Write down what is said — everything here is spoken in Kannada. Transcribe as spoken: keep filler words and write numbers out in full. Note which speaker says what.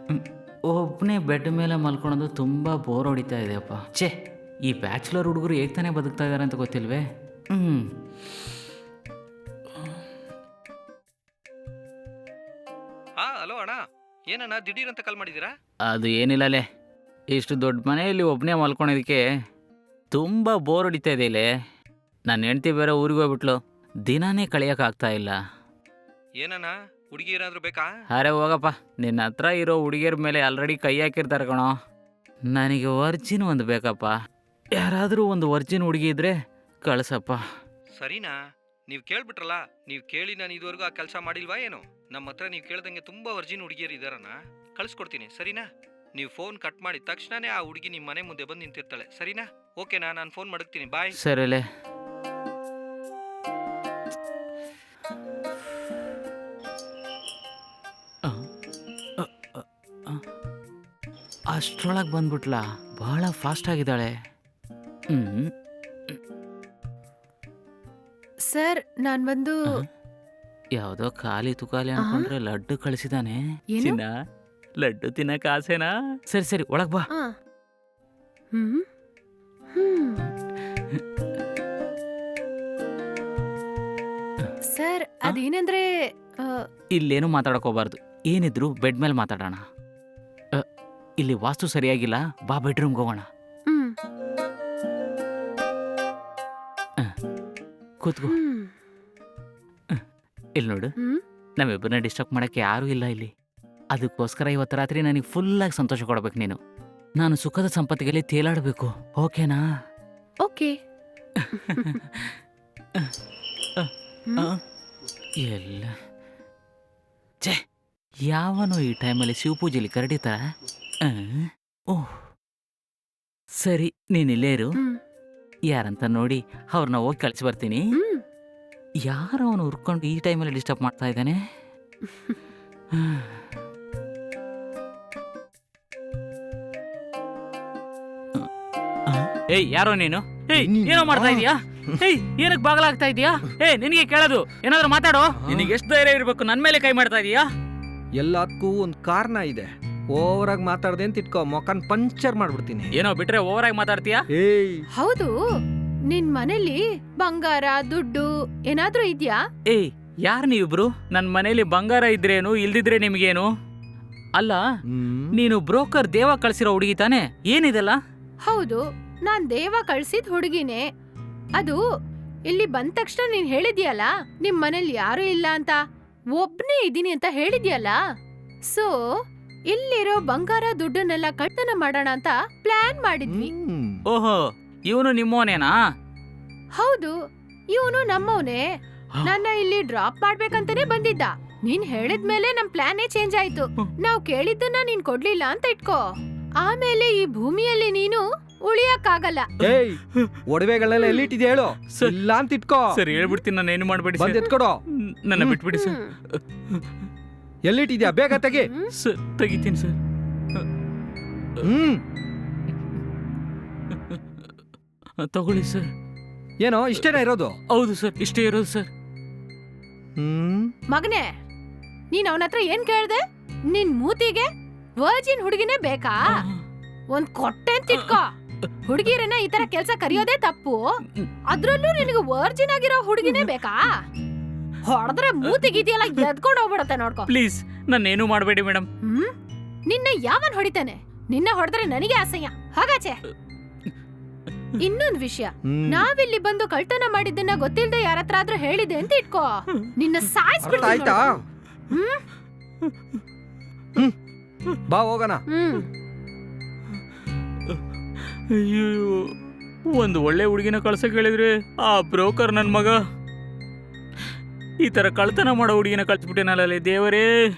Speaker 1: ಒಬ್ಬನೇ ಬೆಡ್ ಮೇಲೆ ಮಲ್ಕೊಳೋದು ತುಂಬ ಬೋರ್ ಹೊಡಿತಾ ಇದೆಯಪ್ಪ. ಛೇ, ಈ ಬ್ಯಾಚುಲರ್ ಹುಡುಗರು ಹೇಗೆ ತಾನೇ ಬದುಕ್ತಾ ಇದ್ದಾರೆ ಅಂತ ಗೊತ್ತಿಲ್ವೇ. ಹ್ಞೂ
Speaker 2: ಹಾ ಹಲೋ ಅಣ್ಣ, ಏನಣ್ಣ ದಿಢೀರ್ ಅಂತ ಕಾಲ್ ಮಾಡಿದ್ದೀರಾ?
Speaker 1: ಅದು ಏನಿಲ್ಲಲೇ, ಇಷ್ಟು ದೊಡ್ಡ ಮನೆಯಲ್ಲಿ ಒಬ್ಬನೇ ಮಲ್ಕೊಳೋದಕ್ಕೆ ತುಂಬ ಬೋರ್ ಹೊಡಿತಾ ಇದೆ ಇಲ್ಲೇ. ನನ್ನ ಹೆಂಡ್ತಿ ಬೇರೆ ಊರಿಗೆ ಹೋಗ್ಬಿಟ್ಲು, ದಿನಾನೇ ಕಳಿಯೋಕ್ಕಾಗ್ತಾ ಇಲ್ಲ.
Speaker 2: ಏನಣ್ಣ, ಹುಡುಗಿ ಏನಾದರೂ ಬೇಕಾ?
Speaker 1: ಅರೆ ಹೋಗಪ್ಪ, ನಿನ್ನ ಹತ್ರ ಇರೋ ಹುಡುಗಿಯರ ಮೇಲೆ ಆಲ್ರೆಡಿ ಕೈ ಹಾಕಿರ್ತಾರೆ ಕಣೋ. ನನಗೆ ವರ್ಜಿನ್ ಒಂದು ಬೇಕಪ್ಪ. ಯಾರಾದರೂ ಒಂದು ವರ್ಜಿನ್ ಹುಡುಗಿ ಇದ್ರೆ ಕಳಿಸಪ್ಪ.
Speaker 2: ಸರಿನಾ, ನೀವು ಕೇಳ್ಬಿಟ್ರಲ್ಲ. ನೀವು ಕೇಳಿ ನಾನು ಇದುವರೆಗೂ ಆ ಕೆಲಸ ಮಾಡಿಲ್ವಾ ಏನು? ನಮ್ಮ ಹತ್ರ ನೀವು ಕೇಳ್ದಂಗೆ ತುಂಬ ವರ್ಜಿನ್ ಹುಡುಗಿಯರು ಇದ್ದಾರಣ್ಣ, ಕಳಿಸ್ಕೊಡ್ತೀನಿ. ಸರಿನಾ, ನೀವು ಫೋನ್ ಕಟ್ ಮಾಡಿದ ತಕ್ಷಣನೇ ಆ ಹುಡುಗಿ ನಿಮ್ಮ ಮನೆ ಮುಂದೆ ಬಂದು ನಿಂತಿರ್ತಾಳೆ. ಸರಿನಾ? ಓಕೆನಾ? ನಾನು ಫೋನ್ ಮಡಗ್ತೀನಿ. ಬಾಯ್.
Speaker 1: ಸರಿಲೇ. ಅಷ್ಟರೊಳಗೆ ಬಂದ್ಬಿಟ್ಲಾ? ಬಹಳ ಫಾಸ್ಟ್ ಆಗಿದ್ದಾಳೆ. ಹ್ಞೂ
Speaker 3: ಸರ್, ನಾನ್ ಬಂದು
Speaker 1: ಯಾವುದೋ ಖಾಲಿ ತುಕಾಲಿ ಅನ್ಕೊಂಡ್ರೆ ಲಡ್ಡು ಕಳಿಸಿದಾನೆ.
Speaker 3: ಏನು?
Speaker 1: ಚಿನ್ನ, ಲಡ್ಡು ತಿನ್ನಕ್ಕೆ ಆಸೆನಾ? ಸರಿ ಸರಿ, ಒಳಗ್ ಬಾ.
Speaker 3: ಆ. ಹ್ಮ್ ಹ್ಮ್ ಸರ್, ಅದೇನಂದ್ರೆ ಆ,
Speaker 1: ಇಲ್ಲೇನು ಮಾತಾಡಕ್ ಹೋಗ್ಬಾರ್ದು. ಏನಿದ್ರು ಬೆಡ್ ಮೇಲೆ ಮಾತಾಡೋಣ. ಅ, ಇಲ್ಲಿ ವಾಸ್ತು ಸರಿಯಾಗಿಲ್ಲ, ಬಾ ಬೆಡ್ರೂಮ್ಗೆ ಹೋಗೋಣ.
Speaker 3: ಹ್ಮ್
Speaker 1: ಕೂತ್ಕೋ.
Speaker 3: ಹ್ಮ್
Speaker 1: ಇಲ್ಲಿ ನೋಡು,
Speaker 3: ಹ್ಮ್
Speaker 1: ನಮ್ಮಿಬ್ಬರನ್ನ ಡಿಸ್ಟರ್ಬ್ ಮಾಡಕ್ಕೆ ಯಾರೂ ಇಲ್ಲ ಇಲ್ಲಿ. ಅದಕ್ಕೋಸ್ಕರ ಇವತ್ತು ರಾತ್ರಿ ನನಗೆ ಫುಲ್ಲಾಗಿ ಸಂತೋಷ ಕೊಡ್ಬೇಕು ನೀನು. ನಾನು ಸುಖದ ಸಂಪತ್ತಿಗೆಲ್ಲಿ ತೇಲಾಡಬೇಕು, ಓಕೆನಾ?
Speaker 3: ಓಕೆ.
Speaker 1: ಆ, ಎಲ್ಲ ಛೇ, ಯಾವನೋ ಈ ಟೈಮಲ್ಲಿ ಶಿವಪೂಜೆಲಿ ಕರಡಿತಾರ. ಓಹ್ ಸರಿ, ನೀನಿಲ್ಲೇ ಇರು.
Speaker 3: ಹ್ಮ್
Speaker 1: ಯಾರಂತ ನೋಡಿ ಅವ್ರನ್ನ ಹೋಗಿ ಕಳಿಸಿ ಬರ್ತೀನಿ.
Speaker 3: ಹ್ಮ್
Speaker 1: ಯಾರೋ ಅವನು ಹುರ್ಕೊಂಡು ಈ ಟೈಮಲ್ಲಿ ಡಿಸ್ಟರ್ಬ್ ಮಾಡ್ತಾ ಇದ್ದಾನೆ. ಏಯ್, ಯಾರೋ ನೀನು? ಏಯ್, ಏನೋ ಮಾಡ್ತಾ ಇದೀಯಾ? ಏಯ್, ಏನಕ್ಕೆ ಬಾಗಲಾಗ್ತಾ ಇದೀಯಾ? ಏ, ನಿನಗೆ ಕೇಳೋದು, ಏನಾದ್ರು ಮಾತಾಡೋ. ನಿನಗೆ ಎಷ್ಟು ಧೈರ್ಯ ಇರಬೇಕು ನನ್ನ ಮೇಲೆ ಕೈ ಮಾಡ್ತಾ ಇದೀಯಾ?
Speaker 4: ಎಲ್ಲದಕ್ಕೂ ಒಂದು ಕಾರಣ ಇದೆ. ಓವರಾಗಿ ಮಾತಾಡ್ದೆ ಅಂತ ಇಟ್ಕೋ, ಮೊಕನ್ ಪಂಚರ್ ಮಾಡ್ಬಿಡ್ತೀನಿ.
Speaker 1: ಏನೋ ಬಿಟ್ರೆ ಓವರ್ ಆಗಿ ಮಾತಾಡ್ತೀಯಾ?
Speaker 4: ಏಯ್,
Speaker 3: ಹೌದು, ನಿನ್ ಮನೇಲಿ ಬಂಗಾರ ದುಡ್ಡು ಏನಾದ್ರೂ ಇದ್ಯಾ?
Speaker 1: ಏಯ್, ಯಾರು ನೀವಿಬ್ರು? ನನ್ನ ಮನೇಲಿ ಬಂಗಾರ ಇದ್ರೇನು, ಇಲ್ದಿದ್ರೆ ನಿಮ್ಗೇನು? ಅಲ್ಲ,
Speaker 4: ಹ್ಮ್.
Speaker 1: ನೀನು ಬ್ರೋಕರ್ ದೇವ ಕಳ್ಸಿರೋ ಹುಡುಗಿ ತಾನೆ? ಏನಿದೆಲ್ಲ?
Speaker 3: ಹೌದು, ನಾನ್ ದೇವ ಕಳ್ಸಿದ್ ಹುಡುಗಿನೇ. ಅದು ಇಲ್ಲಿ ಬಂದ ತಕ್ಷಣ ನೀನ್ ಹೇಳಿದ್ಯಲ್ಲ, ನಿಮ್ ಮನೇಲಿ ಯಾರು ಇಲ್ಲ ಅಂತ, ಒಬ್ನೇ ಇದೀನಿ ಅಂತ ಹೇಳಿದ್ಯಲ್ಲ. ಸೊ ಇಲ್ಲಿರೋ ಬಂಗಾರ ದುಡ್ಡನ್ನೆಲ್ಲ ಕಳ್ತನ ಮಾಡೋಣ ಅಂತ ಪ್ಲಾನ್ ಮಾಡಿದ್ವಿ.
Speaker 4: ಹ್ಮ್.
Speaker 1: ಓಹೋ, ಇವನು ನಿಮ್ಮೋನೇನಾ?
Speaker 3: ಹೌದು, ಇವನು ನಮ್ಮವನೇ. ನನ್ನ ಇಲ್ಲಿ ಡ್ರಾಪ್ ಮಾಡ್ಬೇಕಂತಾನೆ ಬಂದಿದ್ದ. ನೀನ್ ಹೇಳಿದ್ಮೇಲೆ ನಮ್ ಪ್ಲಾನೇ ಚೇಂಜ್ ಆಯ್ತು. ನಾವ್ ಕೇಳಿದ್ದನ್ನ ನೀನ್ ಕೊಡ್ಲಿಲ್ಲ ಅಂತ ಇಟ್ಕೋ. ಆಮೇಲೆ ಈ ಭೂಮಿಯಲ್ಲಿ ನೀನು ಉಳಿಯಕ್ಕಾಗಲ್ಲ.
Speaker 4: ಏಯ್, ಒಡವೆಗಳನ್ನೆಲ್ಲ ಎಲ್ಲಿಟ್ಟಿದ್ಯಾ ಹೇಳು.
Speaker 1: ಸರ್.
Speaker 4: ಇಲ್ಲ ಅಂತ ಇಟ್ಕೋ.
Speaker 1: ಸರ್ ಹೇಳ್ಬಿಡ್ತೀನಿ, ನಾನು ಏನು ಮಾಡಬೇಡಿ
Speaker 4: ಬಂದ್
Speaker 1: ಸರ್.
Speaker 4: ಎತ್ಕೊಡೋ.
Speaker 1: ನನ್ನ ಬಿಟ್ಬಿಡಿ ಸರ್.
Speaker 3: ಹ್ಮ್.
Speaker 4: ಎಲ್ಲಿಟ್ಟಿದ್ಯಾ ಬೇಗ ತೆಗಿ.
Speaker 3: ಹ್ಮ್.
Speaker 1: ಸರ್ ತೆಗಿತೀನಿ ಸರ್.
Speaker 4: ಹ್ಮ್.
Speaker 1: ತಗೊಳ್ಳಿ ಸರ್.
Speaker 4: ಏನೋ ಇಷ್ಟೇನಾ ಇರೋದು?
Speaker 1: ಹೌದು ಸರ್, ಇಷ್ಟೇ ಇರೋದು ಸರ್.
Speaker 4: ಹ್ಮ್.
Speaker 3: ಮಗನೇ, ನೀನ್ ಅವನ ಹತ್ರ ಏನ್ ಕೇಳ್ದೆ? ನಿನ್ ಮೂತಿಗೆ ವರ್ಜಿನ್ ಹುಡುಗಿನೇ ಬೇಕಾ? ಒಂದ್ ಕೊಟ್ಟೆ ಅಂತ ಇಟ್ಕೋ. ಹುಡುಗಿರನ್ನ ಈ ತರ ಕೆಲ್ಸ ಕರಿಯೋದೇ ತಪ್ಪು. ಅದ್ರಲ್ಲೂ ನಿನಗೆ ವರ್ಜಿನ್ ಆಗಿರೋ ಹುಡುಗಿನೇ ಬೇಕಾ? ಹೊಡೆದ್ರೆ ಮೂತಿಗಿದೆಯಲ್ಲ ಎದ್ಕೊಂಡು ಹೋಗ್ಬಿಡತ್ತೆ ನೋಡ್ಕೋ.
Speaker 1: ಪ್ಲೀಸ್, ನನ್ನೇನು ಮಾಡಬೇಡಿ ಮೇಡಮ್.
Speaker 3: ಹ್ಮ್ ನಿನ್ನ ಯಾವನ್ ಹೊಡಿತಾನೆ? ನಿನ್ನ ಹೊಡೆದ್ರೆ ನನಗೆ ಅಸಹ್ಯ. ಹಾಗಾಚೆ. ಇನ್ನೊಂದ್ ವಿಷಯ,
Speaker 4: ಹ್ಮ್.
Speaker 3: ನಾವಿಲ್ಲಿ ಬಂದು ಕಳ್ತನ ಮಾಡಿದ್ದನ್ನ ಗೊತ್ತಿಲ್ದೆ ಯಾರತ್ರ ಆದ್ರೂ ಹೇಳಿದೆ ಅಂತ ಇಟ್ಕೋ, ನಿನ್ನ
Speaker 4: ಅರ್ಥ
Speaker 3: ಸಾಯಿಸ್ಬಿಡ್ತೀನಿ
Speaker 4: ಆಯ್ತಾ?
Speaker 3: ನೋಡು. ಹ್ಮ್
Speaker 4: ಹ್ಮ್. ಬಾ ಹೋಗೋಣ.
Speaker 3: ಹ್ಮ್
Speaker 1: ಅಯ್ಯೋ, ಒಂದು ಒಳ್ಳೆ ಹುಡುಗಿನ ಕಳ್ಸಕ್ ಹೇಳಿದ್ರೆ ಆ ಬ್ರೋಕರ್ ನನ್ನ ಮಗ ಈ ತರ ಕಳ್ತನ ಮಾಡೋ ಹುಡುಗಿನ ಕಳ್ಸ್ಬಿಟ್ಟೇನಲ್ಲ ದೇವರೇ.